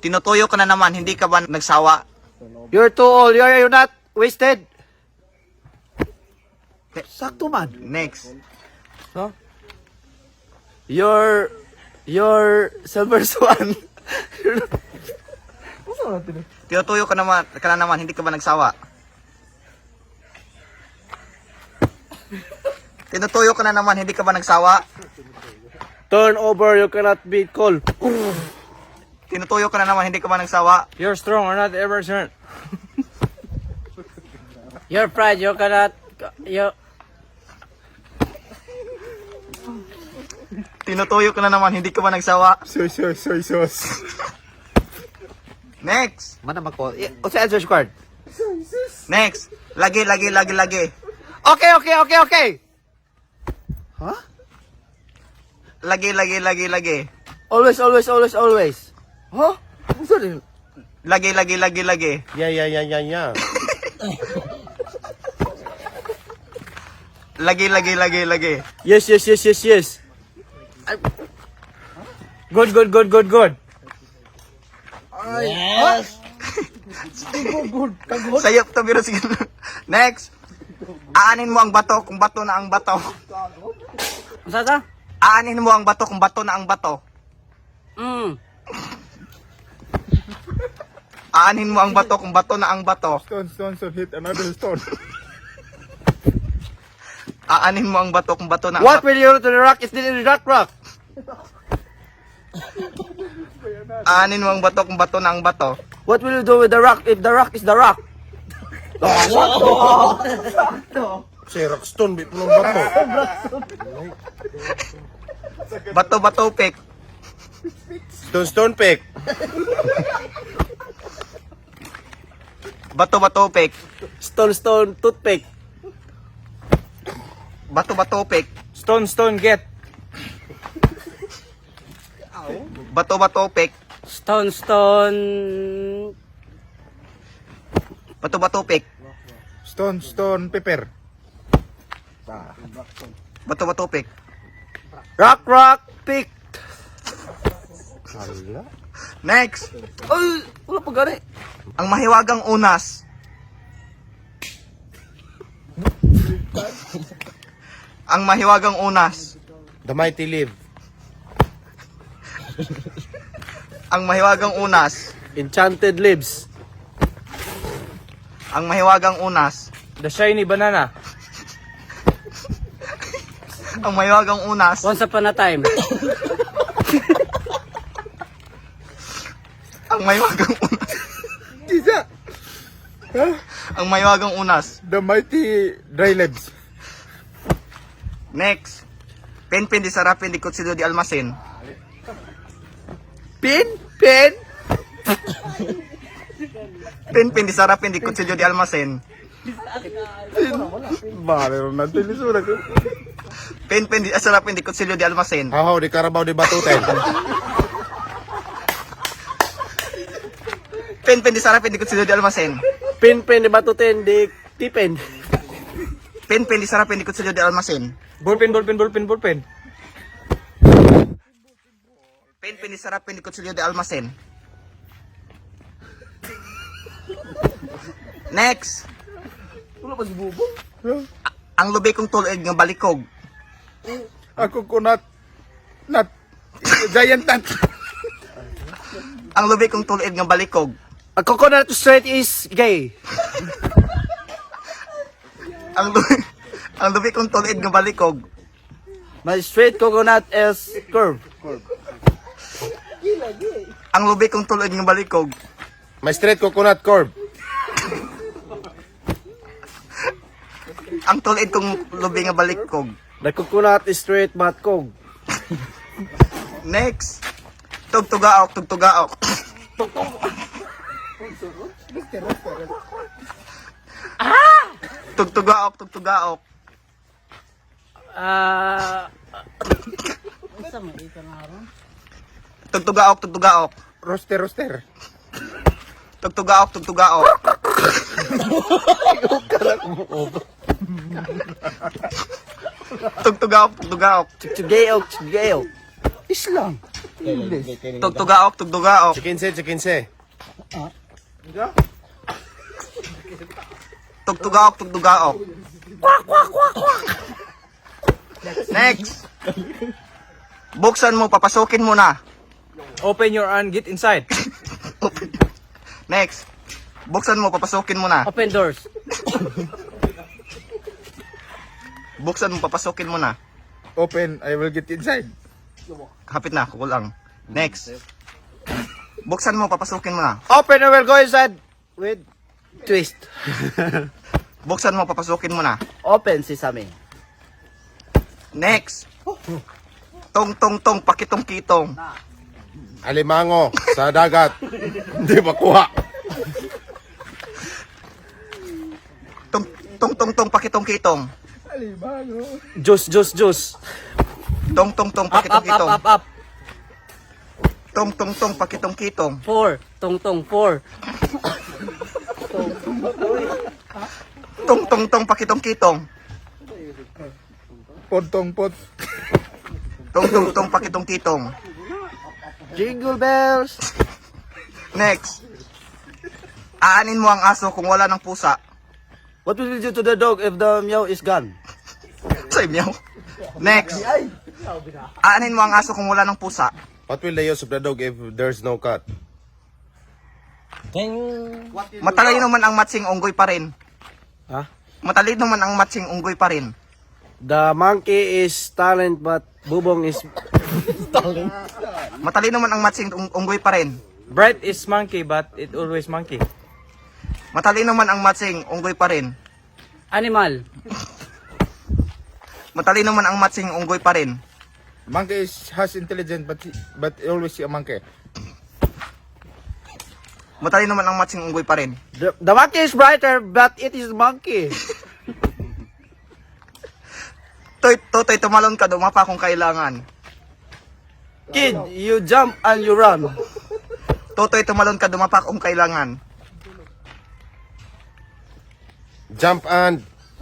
Tinutuyo ka na naman, hindi ka ba nagsawa? You're too old. You're not wasted. Sakto man. Next. Huh? You're silver swan. Tinutuyo ka na naman, hindi ka ba nagsawa? Tinutuyo ka na naman, hindi ka ba nagsawa? Turn over. You cannot be cold. Tinutuyo ka na naman, hindi ka ba nagsawa? You're strong or not ever turn. You're pride. You cannot. You. Tinutuyo ka na naman, hindi ka ba nagsawa? Soy. Next. Mana mako. What's the answer card? Next. Lagi. Okay. Huh? Lagi. Always. Huh? What's that? Lagi. Yeah. Lagi. Yes. Good. Yes. Sayop to biro sige. Next. Aanin mo ang bato kung bato na ang bato. Sasa? Aanin mo ang bato kung bato na ang bato. Aanin mo ang bato kung bato na ang bato. Stone, hit another stone. Aanin mo ang bato kung bato na ang What bato. will you do to the rock? It's still in the rock. Aanin mo ang bato kung bato na ang bato. What will you do with the rock if the rock is the rock? Si Rockstone, bit mo ng bato. Bato pick. Stone pick. Bato pick. Stone toothpick. Bato pick. Stone get. Bato pick. Stone. Bato pick. Stone pepper. Bato pick. Rock pick. Next. Ay, wala pa gani. Ang mahiwagang unas. Ang mahiwagang unas. The mighty live. Ang mahiwagang unas. Enchanted leaves. Ang mahiwagang unas. The shiny banana. Ang mahiwagang unas. Once upon a time. Ang mahiwagang unas. Isa. Ang mahiwagang unas. The mighty dry leaves. Next. Pen di sarapin di kutsido di almasin. Pin. Pen di sarapin di kutsido di almasin. Bale ron natin lisura ko. Pen di sarapin di kutsido di almasin. Hahaw di karabaw di batuten. Pen di sarapin di kutsido di almasin. Pin di batutin di tipin. Pen di sarapin di kutsido di almasin. Ballpen. Pen di sarapin di kutsido di almasin. Next. Wala pa si Bubo. Ang lubi kong tulig nga balikog. Ako ko not giant nut. Ang lubi kong tulig nga balikog. A coconut straight is gay. Ang lubi kong tulig nga balikog. My straight coconut is curve. Ang lubi kong tulig nga balikog. My straight coconut curve. Ang tulid kong lubi nga balikog. The coconut is straight but kog. Next. Tugtugaok. Tugtugaok. Tugtugaok. Roster. Tugtugaok. Tugtugaok. Chugayok. Islang. Tugtugaok, tugtugaok. Chikinse. Tugtugaok, tugtugaok. Next. Buksan mo, papasukin mo na. Open your and get inside. Next. Buksan mo, papasukin mo na. Open doors. Buksan mo, papasukin mo na. Open, I will get inside. Kapit na, kukulang. Next. Buksan mo, papasukin mo na. Open and will go inside with twist. Buksan mo, papasukin mo na. Open sesame. Next. Tong, pakitong-kitong. Alimango sa dagat. Hindi makuha. Tong, pakitong-kitong. Juice. Tong, Up. pakitong-kitong. Tong, pakitong-kitong. 4. Tong. 4. Tong, pakitong-kitong. Pot. Tong, pakitong-kitong. Jingle bells. Next. Aanin mo ang aso kung wala ng pusa. What will you do to the dog if the meow is gone? Say meow. Next. Aanin mo ang aso kung wala ng pusa. What will the use of the dog if there's no cat? Matalino man ang matsing unggoy pa rin. Huh? Matalino man ang matsing unggoy pa rin. The monkey is talent but bubong is Matalino man ang matsing unggoy pa rin. Bright is monkey, but it always monkey. Matalino man ang matsing unggoy pa rin. animal. Matalino man ang matsing unggoy pa rin. Monkey has intelligence but always a monkey. Matalino man ang matsing unggoy pa rin. The monkey is brighter but it is monkey. Totoy, tumalon ka, dumapa kung kailangan. Kid, you jump and you run. Totoy, tumalon ka, dumapa kung kailangan. Jump and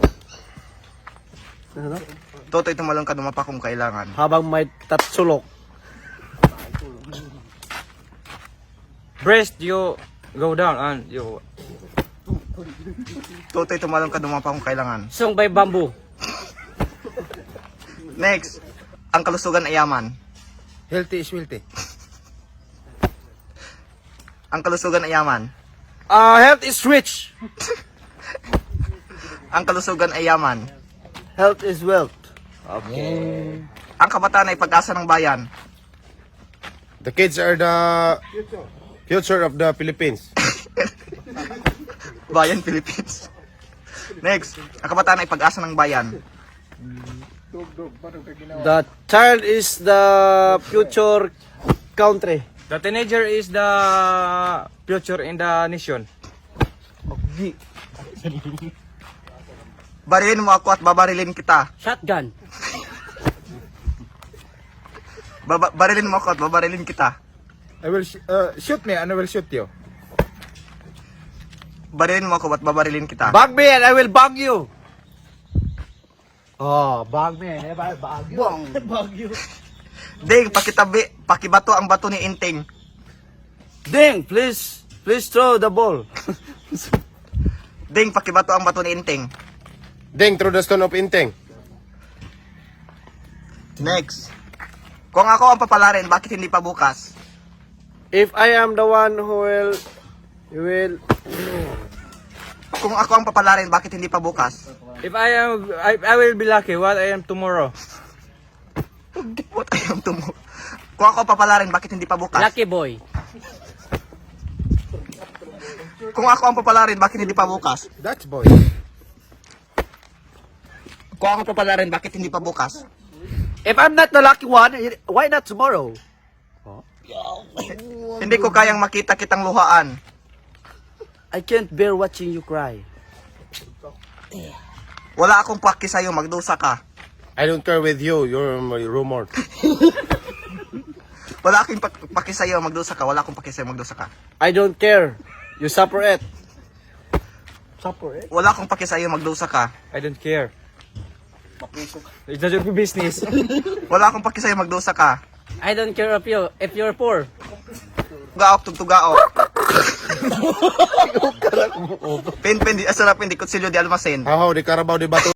Totoy, tumalon ka, dumapa kung kailangan. Habang may tatsulok. Breast, you go down and you... Totoy, tumalon ka, dumapa kung kailangan. Sung by bamboo. Next. Ang kalusugan ay yaman. healthy is wealthy. Ang kalusugan ay yaman. Health is rich. Ang kalusugan ay yaman. Health is wealth. Ang kabataan ay pag-asa ng bayan. The kids are the future of the Philippines. Bayan, Philippines. Next. Ang kabataan ay pag-asa ng bayan. The child is the future country. The teenager is the future in the nation. Barilin mo ako at babarilin kita. Shotgun. Barilin mo ako at babarilin kita. I will shoot me and I will shoot you. Barilin mo ako at babarilin kita. Bug me and I will bug you. Oh, bug me and I will bug you. Bug you. Ding, pakibato ang bato ni Inting. Ding, please throw the ball. Ding, pakibato ang bato ni Inting. Ding through the stone of Inteng. Next. Kung ako ang papalarin, bakit hindi pa bukas? If I am the one who you will. Kung ako ang papalarin, bakit hindi pa bukas? If I will be lucky, what I am tomorrow? What I am tomorrow? Kung ako ang papalarin, bakit hindi pa bukas? Lucky boy. Kung ako ang papalarin, bakit hindi pa bukas? That's boy. Kung ako ang papalarin, bakit hindi pa bukas? If I'm not the lucky one, why not tomorrow? Hindi ko kayang makita kitang luhaan. I can't bear watching you cry. Wala akong paki sa'yo, magdusa ka. I don't care with you. You're my rumor. Wala akong paki sa'yo, magdusa ka. Wala akong paki sa'yo, magdusa ka. I don't care. You suffer it. Suffer it? Wala akong paki sa'yo, magdusa ka. I don't care. It's not your business. Wala akong paki sa'yo, magdusa ka. I don't care if you're poor. Tugaok, tugtugaok. Pen, di asarap, hindi kutsilyo, di almasen. How, di Carabao, di Bato.